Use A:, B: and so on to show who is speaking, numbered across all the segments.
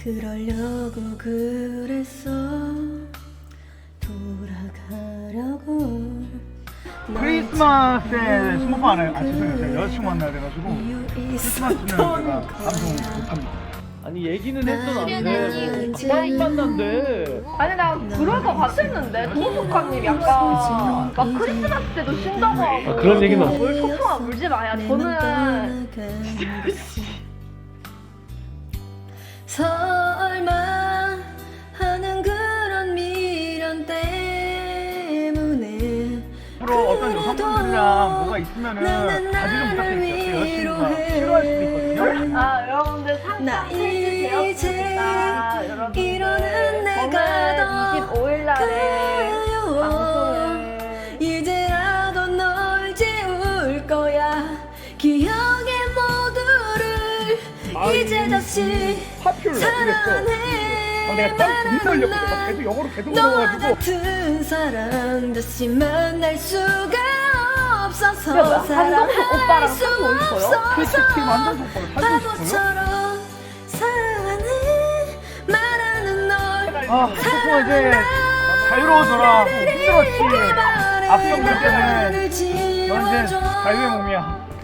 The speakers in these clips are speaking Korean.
A: 그러려고 그랬어. 돌아가려고.
B: 크리스마스에 스모프 안 해요. 아 죄송해요. 제가 여자친구 만나야 돼가지고 크리스마스는 제가 방송 못합니다.
C: 아니 얘기는 했던
A: 수련이
C: 안 만난대.
D: 아니 나 그럴 것 같았는데 동숙아님 약간 막 크리스마스 때도 쉰다고 하고
C: 그런 얘기는 없어.
D: 뭘 소풍아 울지 마야. 저는
A: 설마 하는 그런 미련 때문에
B: 앞으로 어떤 여성분들이랑 뭐가 있으면은 자주 좀 부탁드릴게요. 여자친구가 싫어할 수도 있거든요.
D: 아 여러분들
A: 나
D: 상상 페이지 되었습니다.
A: 이제
D: 여러분들
A: 이러는 내가 더
D: 저는 25일 날에
A: 그리워.
D: 방송을
A: 이제라도 널 지울 거야. 기억의 모두를 이제 다시
B: 파퓰러
A: 사랑해.
B: 내가 딱 눈썰려고 막 계속 영어로 계속
A: 너와
B: 넘어가지고
A: 같은 사람 다시 만날 수가 없어서
D: 야, 한동숙 오빠랑
A: 사랑할 수
D: 사귀고 있어요?
B: 솔직히 완전 속보를 사주고 싶어요.
A: 바보처럼 사랑해 말하는 널
B: 아 소풍아 이제 자유로워져라. 힘들었지. 앞경들 때문에 연세 자유의 몸이야.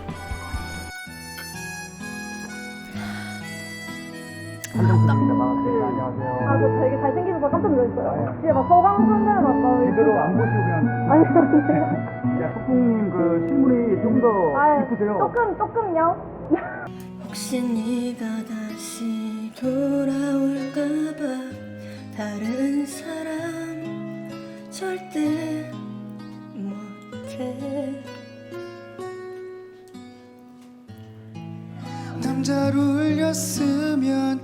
B: 반갑습니다. 반갑습니다. 안녕하세요.
D: 아 저 되게 잘생기셔서 깜짝 놀랐어요. 진짜 막 서강선들 봤다.
B: 제대로 안 보시고 그냥
D: 아니
B: 야, 소풍님 그 실물이 좀 더 이쁘세요.
D: 조금요.
A: 혹시 네가 다시 돌아올까봐 다른 사람 절대 못해.
E: 남자로 울렸으면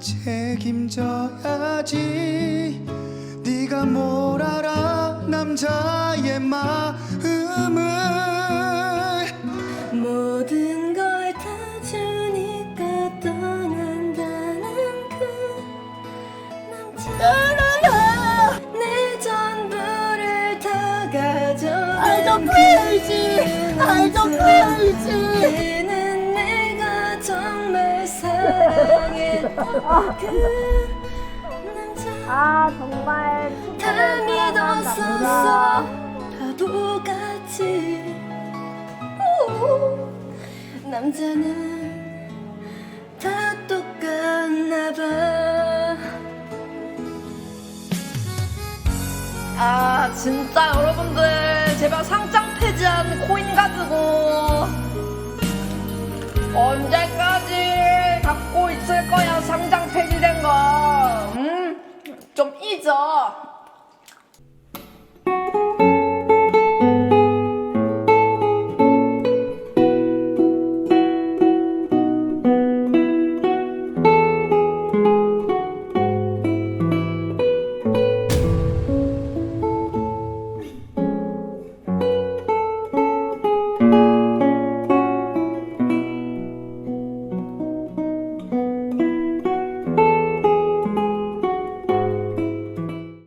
E: 책임져야지. 네가 뭘 알아 남자의 마음을.
A: 모든 걸 다 주니까 떠난다는 그 남자. 내 전부를 다 가져간 그는 내가 정말 사랑했던 그 남자.
D: 아 정말
A: 다 믿었었어 바보같이. 오, 남자는 다 똑같나봐.
D: 아 진짜 여러분들 제발 상장 폐지한 코인 가지고 언제까지 갖고 있을 거야. 상장 폐지된 거 좀 잊어.